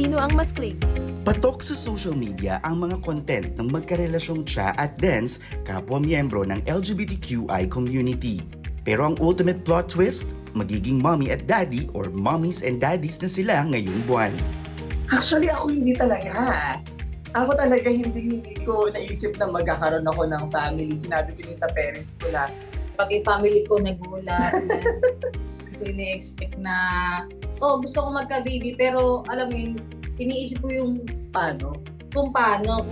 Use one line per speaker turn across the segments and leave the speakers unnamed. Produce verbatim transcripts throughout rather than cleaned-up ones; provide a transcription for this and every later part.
sino ang mas claim.
Patok sa social media ang mga content ng magkarelasyong Cha at Dance, kapwa miyembro ng L G B T Q I community. Pero ang ultimate plot twist, magiging mommy at daddy or mommies and daddies na sila ngayong buwan.
Actually, ako hindi talaga. Ako talaga hindi hindi ko naisip na magkakaroon ako ng family. Sinabi ko din sa parents ko na
Pati family ko nagulat. Hindi ko ini-expect na, oh, gusto ko magka-baby. Pero alam mo yun, iniisip ko yung
paano.
kung paano.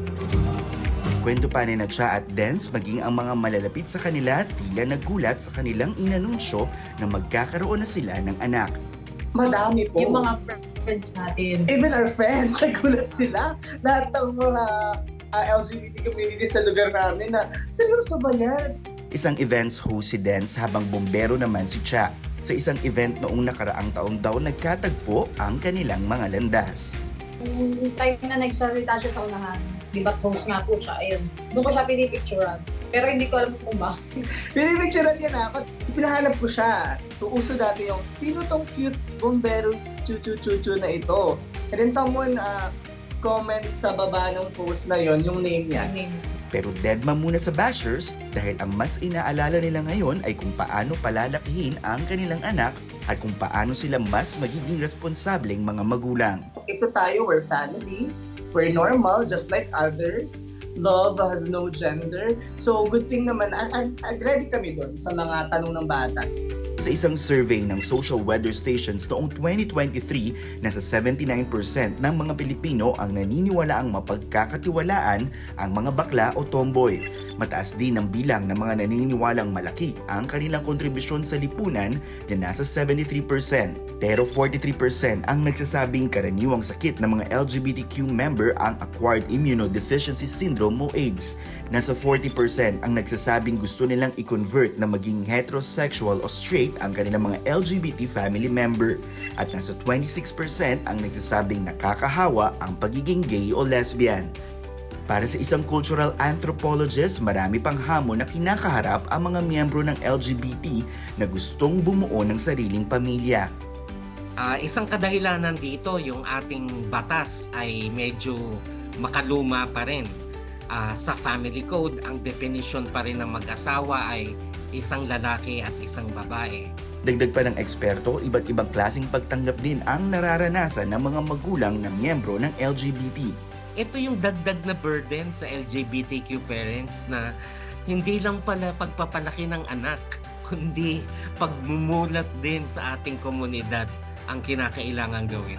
Kwento pa ni na Cha at Dance, maging ang mga malalapit sa kanila tila nagulat sa kanilang inanunsyo na magkakaroon na sila ng anak.
Madami po.
Yung mga friends natin.
Even our friends, nagulat sila. Lahat ng mga uh, L G B T community sa lugar namin na, seryoso ba yan?
Isang events host si Dance habang bombero naman si Cha. Sa isang event noong nakaraang taon daw nagkatagpo ang kanilang mga landas.
Yung time na nagsalita siya sa unahan, di ba host nga po siya, ayun. Doon ko siya pinipicturean. Pero hindi ko alam kung bakit.
Pinipicturean niya na ako. Pinahanap ko siya. So, uso dati yung, sino tong cute bombero chu-chu-chu-chu na ito? And then someone uh, comment sa baba ng post na yon yung name niya.
Pero deadma muna sa bashers dahil ang mas inaalala nila ngayon ay kung paano palalakihin ang kanilang anak at kung paano sila mas magiging responsableng mga magulang.
Ito tayo, we're family. We're normal, just like others. Love has no gender. So, good thing naman, ag- ag- ready kami doon sa mga tanong ng bata.
Sa isang survey ng social weather stations noong twenty twenty-three, nasa seventy-nine percent ng mga Pilipino ang naniniwalaang mapagkakatiwalaan ang mga bakla o tomboy. Mataas din ang bilang ng mga naniniwalang malaki ang kanilang kontribusyon sa lipunan na nasa seventy-three percent. Pero forty-three percent ang nagsasabing karaniwang sakit ng mga L G B T Q member ang Acquired Immunodeficiency Syndrome o AIDS. Nasa forty percent ang nagsasabing gusto nilang i-convert na maging heterosexual o straight ang kanilang mga L G B T family member. At nasa twenty-six percent ang nagsasabing nakakahawa ang pagiging gay o lesbian. Para sa isang cultural anthropologist, marami pang hamon na kinakaharap ang mga miyembro ng L G B T na gustong bumuo ng sariling pamilya.
Uh, isang kadahilanan dito, yung ating batas ay medyo makaluma pa rin. Uh, sa family code, ang definition pa rin ng mag-asawa ay isang lalaki at isang babae.
Dagdag pa ng eksperto, iba't ibang klaseng pagtanggap din ang nararanasan ng mga magulang na miyembro ng L G B T.
Ito yung dagdag na burden sa L G B T Q parents na hindi lang pala pagpapalaki ng anak, kundi pagmumulat din sa ating komunidad ang kinakailangan gawin.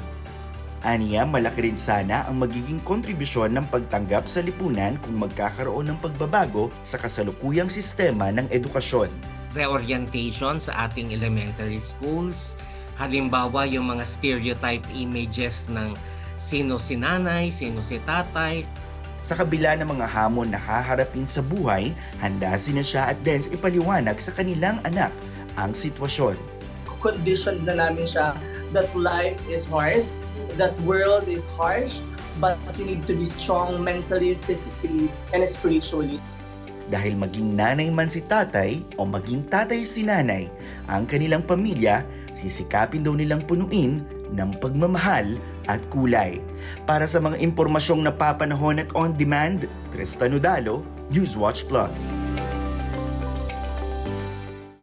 Aniya, malaki rin sana ang magiging kontribusyon ng pagtanggap sa lipunan kung magkakaroon ng pagbabago sa kasalukuyang sistema ng edukasyon.
Reorientation sa ating elementary schools, halimbawa yung mga stereotype images ng sino si nanay, sino si tatay.
Sa kabila ng mga hamon na haharapin sa buhay, handa sina Cha at Dance ipaliwanag sa kanilang anak ang sitwasyon.
Conditioned na namin siya that life is hard, that world is harsh, but you need to be strong mentally, physically, and spiritually.
Dahil maging nanay man si tatay o maging tatay si nanay, ang kanilang pamilya, sisikapin daw nilang punuin ng pagmamahal at kulay. Para sa mga impormasyong napapanahon at on demand, Tristan Udalo, Newswatch Plus.